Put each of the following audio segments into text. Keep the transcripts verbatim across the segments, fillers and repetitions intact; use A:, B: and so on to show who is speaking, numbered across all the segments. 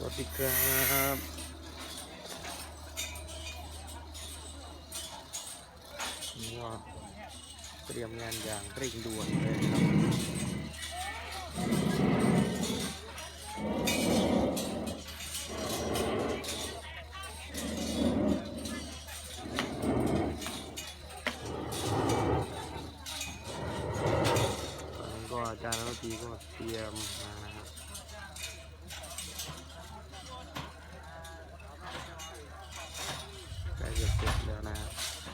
A: วัสดีครับนี่ก็เตรียมงานอย่างเร่งด่วนเลยครับก็อาจารย์นักดนตรีก็เตรียมมานะครับใกล้จะเสร็จแล้วนะครับ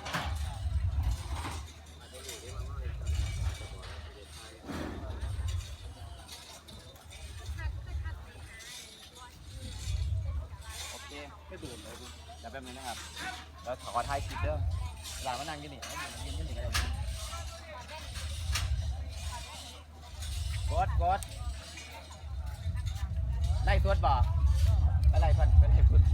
B: ไม่ดูดเลยคุณแต่แบบนี้นะครับแล้วขอถ่ายคลิปเด้อหลานมานั่งกินนี่ให้ยืนกินนี่กันเลยกดกดไล่สวดบ่อะไรพันเป็นไงคุณ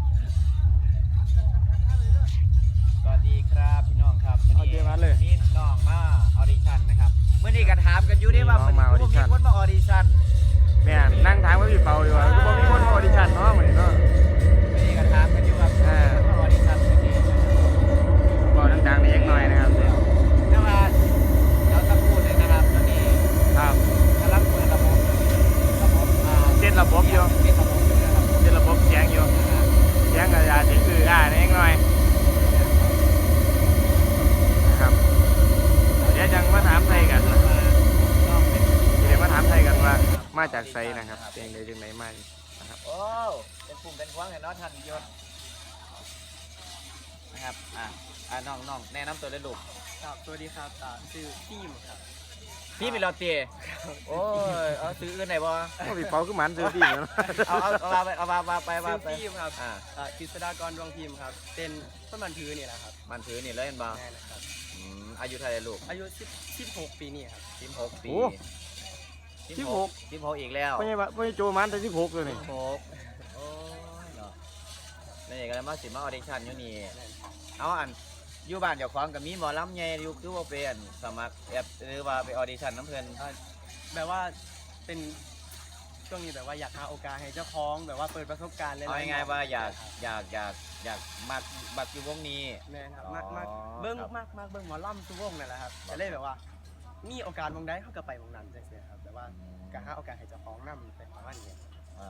B: สวัสดีครับพี่น้องครับวันนี้นี่น้องมาออดิชั่นนะครับเมื่อนี้ก็ถามกันอยู่ได้ว่ามันมีคนมาออดิชั่น
A: แม่นั่งถามว่าพี่เปาดีกว่าก็บอกมีคนมาออดิชั่นเนาะเหมือนเนาะ
B: ไม่ได้กระทำกันอยู่ครับมาออดิชั่นเมื่อกี้
A: บอกดังๆเล็กหน่อยนะครับ
B: แต่ว่าเราจะพูดเลยนะครับตอนนี้
A: ครับ
B: กำลังเปิดระบบระบบ
A: เส้นระบบอยู่
B: เส้นระบบอยู่นะครับ
A: เส้นระบบเสียงอยู่เสียงอาจารย์คืออ่าเล็กหน่อยนะครับเดี๋ยวยังมาถามไทยกันเดี๋ยวมาถามไทยกันว่ามาจากไซนะครับเสียงใดจังไหนมานะครับ
B: โอ้เป็นกลุ่มเป็นคว้างเห็นเนาะท่านยศนะครับอ่าอ่าน้องน้องแนะนำตัวเลยลูก
C: ครับสวัสดีครับชื่อทีมครับ
B: พี่เป็นลอตเต้โอ้ยเอาซื้ออื่นไหนบ่
A: ก็พี่เปาคือหมันซื้อทีม
B: เอาเอาเอามาไปเอามามาไปมาไป
C: ทีมครับอ่ากฤษฎากรดวงพิมพ์ครับเป็นต้นมันถือนี่แหละครับ
B: มันถือนี่เลยเห็นบ่
C: แน่นะครับ
B: อายุเท่าไหร่ลูก
C: อายุสิบหกปีนี่ครับ
B: สิบหกปี
A: สิบหก
B: สิบหกอีกแล้ว
A: ไม่ใช่ไม่ใช่โจมันแต่สิบหกเลยนี่
B: สิบหกโอ้ยเนาะนี่ก็เลยมาสิมาออดิชั่นอยู่นี่เอาอันอยู่บ้านเจ้าของกับมีหมอลำใหญ่อยู่คือว่าเป็นสมัครแอปหรือว่าไปออดิชั่นน้ำเพลิน
C: แบบว่าเป็นช่วงนี้แบบว่าอยากหาโอกาสให้เจ้าของแบบว่าเปิดประสบการณ์เลย
B: เอาง่ายๆว่าอยากอยากอยากอยากมักบักอยู่วงนี้
C: แม่ครับมากมากเบิ้งมากมากเบิ้งหมอลำทุกวงนั่นแหละครับจะเล่แบบว่ามีโอกาสวงใดเขาก็ไปวงนั้นใช่ไหมครับแต่ว่าการหาโอกาสให้เจ้าของนำเป็นประมาณนี้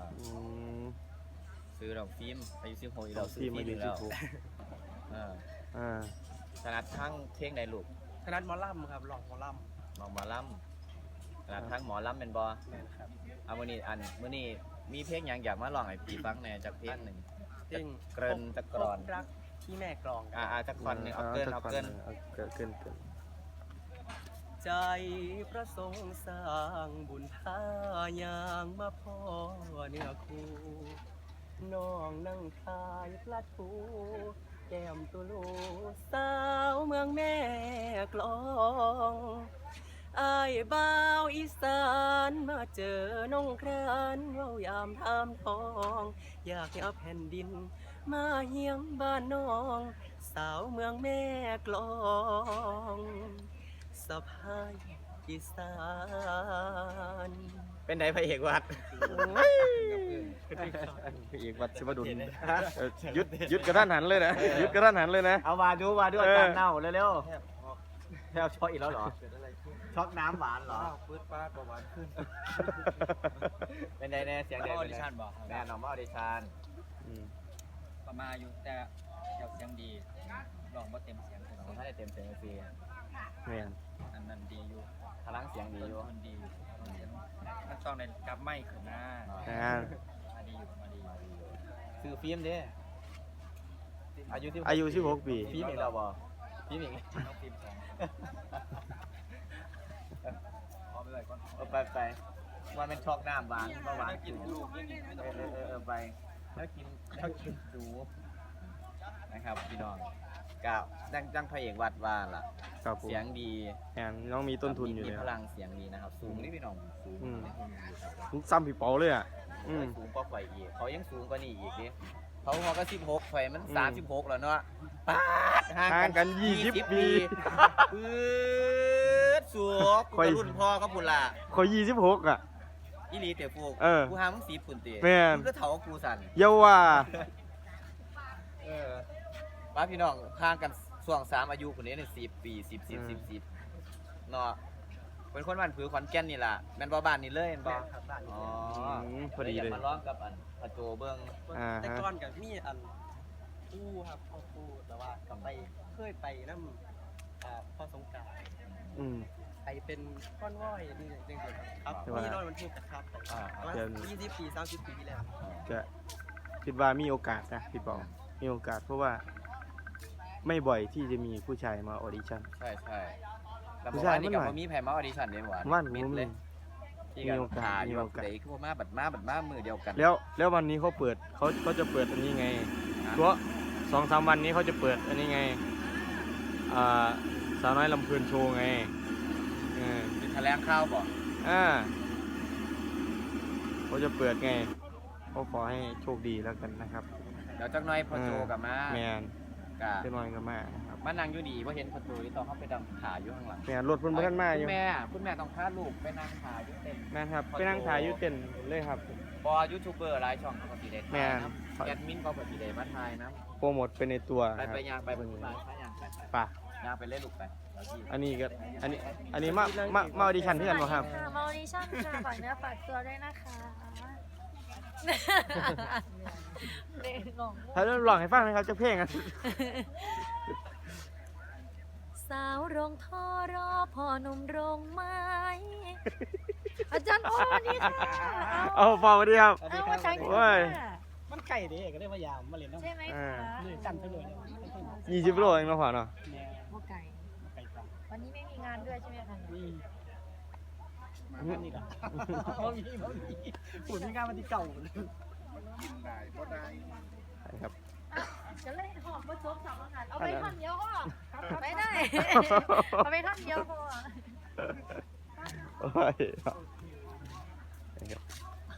B: ซื้อดอกฟิล์มอายุสิบหกอีกแล้วซื้อฟิล์มอีกแล้ว
A: อ่า
B: ถนัดทั้งเพลงใดลูก
C: ถนัดหมอลำครับลองหมอล
B: ำลองหมอลำถนัดทั้งหมอลำเป็นบอ
C: ครับ
B: เอามื่อนี้อันมื่อนี้มีเพลงอย่างอยากมาลองให้พี่ฟังแน่จากเพลงหนึ่ง
C: เพลง
B: เกริ่นจะกรอน
C: รักที่แม่กลอง
B: อ่าจากคอนหนึ่งเอาเกินเอาเกิน
A: เกินเกินเกิน
C: ใจพระสงฆ์สร้างบุญพายางมาพ่อเนื้อคู่น้องนั่งทายพระทูแก้มตุลูสาวเมืองแม่กลองอายบ่าวอีสานมาเจอน้องครานเว้ายามทำทองอยากเอาแผ่นดินมาเฮียงบ้านน้องสาวเมืองแม่กลองสะพายอีสาน
B: เป็นไหนพระเอกวัด
A: พระเอกวัดชิบดุลยุดยุดกระทันหันเลยนะยุดกระทันหันเลยนะ
B: เอามาดูมาดูอาจารย์เน่าเร็วๆแล้วช็อกอีกแล้วเหรอช็อกน้ำหวานเหรอ
C: ปื๊ดป้าประหวานขึ้น
B: เป็นไงแน่เสียงเด็กออดิชั่นบอกแน่นอนว่าออดิชั่น
C: ประมาณอยู่แต่เจ้าเสียงดีลองว่าเต็มเสียง
B: ของท่านได้เต็มเสียงฟรี
A: เนี่ย
C: อันนั้นดีอยู่
B: พลังเสียงดีอยู่
C: มันดีมันต้องในกับไม่ขึ้นหน้ามาดีอยู่มาดี
B: ซื้อฟิล์มดิอายุที่
A: อายุสิบหกปี
B: ฟิล์มอีกแล้วบ่ฟิล์มอีก
C: ต้องฟิล์มสอง
B: เอาไปเลยก่อนเอาไปไปว่าเป็นช็อกน้ำหวานหวานกินดูเออเออเออไปแล้วกินแล้วกินดูนะครับพี่น้องก้าวดังดังพระเอกวัดว่าล่ะเสียงดี
A: แอนน้องมีต้นทุนอยู่
B: มีพลังเสียงดีนะครับสูงนี่พี่น้องสู
A: งซ้ำพี่เปาเลยอ่ะ
B: สูงกว่าไฟอีกเขายังสูงกว่านี่อีกดิเขาเขาก็สิบหกไฟมันสามสิบหกแล้วเนาะป๊าด
A: ห่างกันยี่สิบปี
B: ปื๊ดสูงรุ่นพ่อก็พุ่นละ
A: เขายี่สิบหกอ่ะ
B: อีหลีเตะฟูก
A: เออ
B: กูหามึงสีปุ่นเตะ
A: แม่น
B: มึงก็เถากูสั่น
A: เยาว่า
B: เออว่าพี่น้องห่างกันช่วงสามอายุคนนี้เนี่ยสิบปีสิบสิบสิบสิบเนาะเป็นคนบ้านผือขอนแก่นนี่ล่ะแม่นบ่บ้านนี่เลยแม่นบ่
C: ครับบ้าน
B: อ๋อ
A: มพอดีเลย
B: มาร้องกับอันพระโจเบิ่ง
A: อ่าฮะ
C: แต่ก่อนกับมีอันคู่ครับพ่อคู่แต่ว่าก็ไปเคยไปน้ำอ่าพ่อสงกรานต์
A: อืม
C: ไปเป็นก้อนว้อยนี่จริงๆครับ
A: แต่ว่า
C: มีรถบรรทุกกระทับไป
B: อ่า
C: ประมาณ
A: เดี๋ยว
C: ยี่สิบปีสามสิบปีที่แล้ว
A: จะคิดว่ามีโอกาสนะพี่ปอมีโอกาสเพราะว่าไม่บ่อยที่จะมีผู้ชายมาออดิชั่น
B: ใช่ใช่แล้ว
A: ผู้
B: บอก
A: ชาย
B: ว่านี่
A: มัน
B: กับ
A: หน่อย
B: บ่มีแผ่มาออดิชั่นเด้หวาน
A: ว่าน
B: มิ
A: ผ
B: ด
A: ม
B: เล
A: เลย
B: ยที่
A: มี
B: กัน
A: โอกาส
B: หาอ
A: มี
B: ยู่
A: โอกาส
B: เด็กคือบ่มาบัดมาบัดมามือเดียวกัน
A: แล้วแล้ววันนี้เขาเปิดเขาเขาจะเปิดอันนี้ไงเพราะสองสามวันนี้เขาจะเปิดอันนี้ไงอ่าสาวน้อยลำเพลินโชว์ไงเออ
B: มีแถลงข่าวบ่
A: อ่าเขาจะเปิดไงเขาขอให้โชคดีแล้วกันนะครับ
B: เดี๋ยวจักหน่อยพอโจกลับมา
A: แมน
B: กะ
A: เจะน้อยก็มานะครับ
B: มานั่งอยู่ดีบ่เห็นพอโจที่ต้องเข้าไปดังขาอยู่ข้างหลัง
A: แมนรถเพิ่นบ่ทันมาอยู่
B: คุณแม่คุณแม่ต้องพาลูกไปนั่งขาอยู่เต็ม
A: แมนครับไปนั่งถ่ายอยู่เต็นท์เลยครับ
B: บอยูทูบเบอร์หลายช่องเขาก็สิได้
A: แม่
B: ถ่าย
A: น
B: นะแอดมินเขาก็สิได้มาถ่ายนะ
A: โปรโมทไปในตัว
B: ไป
A: ครับ
B: ไปยางไปบนบ้านไปยางไปไป
A: ป่ะ
B: ยางไปเล่นลูกไปแล้วที่
A: อันนี้ก็อันนี้อันนี้มามามาออดิชั่นที่กันบ่ครับ
D: ค่ะมาออดิชั่นค่ะฝากเนื้อฝากตัวด้วยนะคะเด็กงง
A: ถ้าลองให้ฟังนะครับจะเพลงอ่ะ
D: สาวโรงท่อรอพ่อหนุ่มโรงไม้ อาจารย์โอ้นี่ค่ะ
A: เอาฟอร์มดีครับ
D: เอาอาจารย์
A: โอ้ย
E: มันไก่เด้ก็ได้พยายามมาเล่นน้ำ
D: ใช่ไหม
A: อ่า
D: คะ
E: นี่กันไปเลยเนี่ย
A: ยี่สิบโลเองเนาะพ่อเนาะ
E: แนว
D: โมไก่
E: ไก่ตัง
D: วันนี้ไม่มีงานด้วยใช่ไหมคะ
E: นี่มานี่ละบ่มีบ่มีฝุ่นมีงานมาที่เก่า
A: ครับ
D: จะเล่นหอบมาจบสองงานเอาไปท่อนเดียวก็ไปได้ เอาไปท่อนเดียวพอ
A: โอ้ยครับ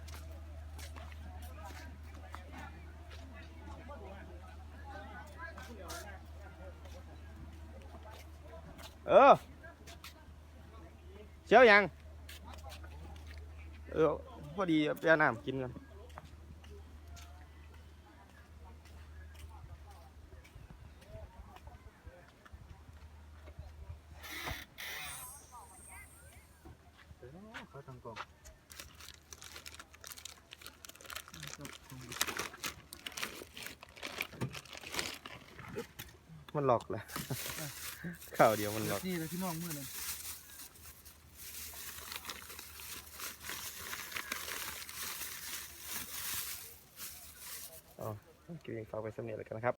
A: เออเชียวยังเออพอดีไปเอาน้ำกินกันมันหลอกแหละ ข่าวเดียวมันหลอก
E: นี่เลยที่น้องมือเลย
A: อ๋อโอเคฝากไปสำเนียงแล้วกันนะครับ